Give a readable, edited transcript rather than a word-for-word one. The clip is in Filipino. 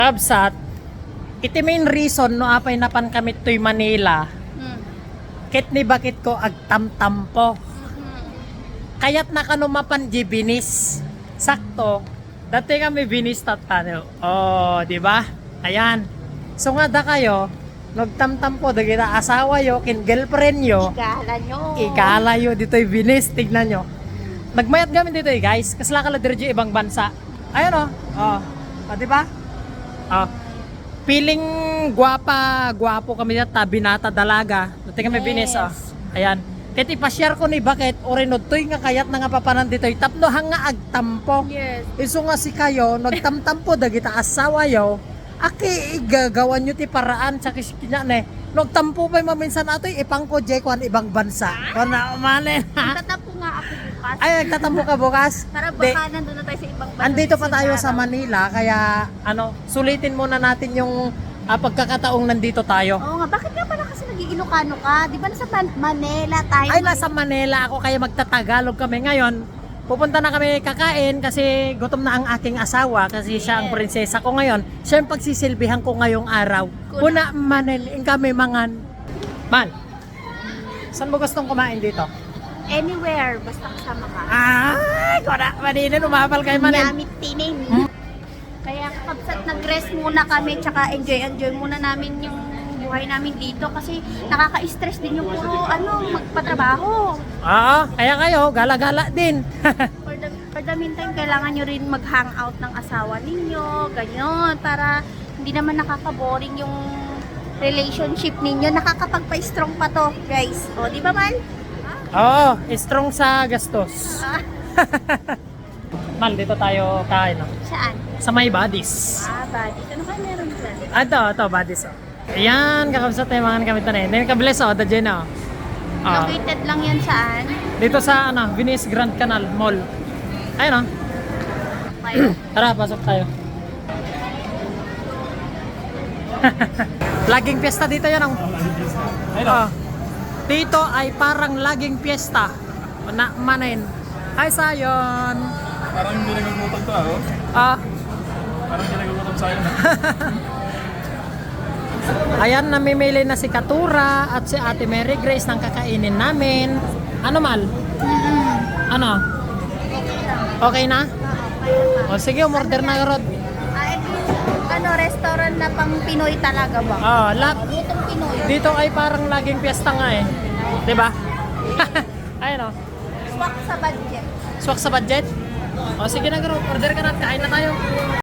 Absat, iti main reason no apay napan kami to'y Manila. Ket ni bakit ko agtamtampo. Kayat na kano mapan di binis. Sakto. Dati kami binis tatano. Oh, di ba? Ayan. So nga da kayo, nagtamtampo da kita asawa yo kin girlfriend yo. Igala nyo. Igala yo dito'y binis, tignan nyo. Nagmayat kami dito guys, kasla kala dirjo ibang bansa. Ayan oh. Oh, di ba? Oh. Piling gwapo kami dito, binata dalaga. Dati kami binis oh. Ayan. Ket ipa-share ko ni bakit orinod toy nga kayat na nga papanan dito'y tapno hanga agtampo. Yes. Iso nga si kayo nagtamtampo dagita asawa yo. Aki igagawan nyo ti paraan sa kiskinya ne. Nagtampo pa maminsan atoy ipangko jay kuan ibang bansa. Kana manen. Tatapo nga ako bukas. Ay nagtatampo ka bukas. Para baka nandun na tayo sa ibang bansa. Andito pa tayo sa Manila kaya sulitin muna natin yung pagkakataong nandito tayo. Oo nga, bakit nga pala kasi nag-Ilocano ka? Di ba nasa Manila tayo? Ay nasa Manila ako kaya magtatagalog kami ngayon. Pupunta na kami kakain kasi gutom na ang aking asawa kasi siya ang prinsesa ko ngayon. Siya ang pagsisilbihan ko ngayong araw. Kuna manin kami mangan. Man, saan mo gustong kumain dito? Anywhere, basta kasama ka. Ay, kuna maninin, umapal kayo manin. Nyamit tinin. Kaya kakabsat nag-rest muna kami tsaka enjoy muna namin yung buhay namin dito kasi nakaka-stress din yung puro magpatrabaho. Oo, kaya kayo, gala-gala din. For the meantime, kailangan nyo rin mag-hangout ng asawa ninyo, ganyan, para hindi naman nakaka-boring yung relationship ninyo. Nakakapagpa-strong pa to, guys. O, di ba man? Oo, strong sa gastos. Mal, dito tayo kain. No? Saan? Sa may Buddies. Buddies. Ano ka meron dyan? Ito, Buddies. Oh. Ayan, kakabsat tayo mga kami ito na yun. Kabilis the Jen. Located lang yan saan? Dito sa Venice Grand Canal Mall. Ayun Okay. Tara, pasok tayo. Laging piyesta dito yan. Dito ay parang laging piyesta. Manin. Ay, sayon. Parang hindi nagagutang to Parang hindi nagagutang sa'yo na. Ayan, namimili na si Katura at si Ate Mary Grace ng kakainin namin. Ano Mal? Ano? Okay na? O sige, umorder na Rod. Restaurant na pang Pinoy talaga ba? Lutong Pinoy. Dito ay parang laging piyesta nga eh. Diba? Ayun Swak sa budget. Swak sa budget? O sige na Rod, order ka na, kain na tayo.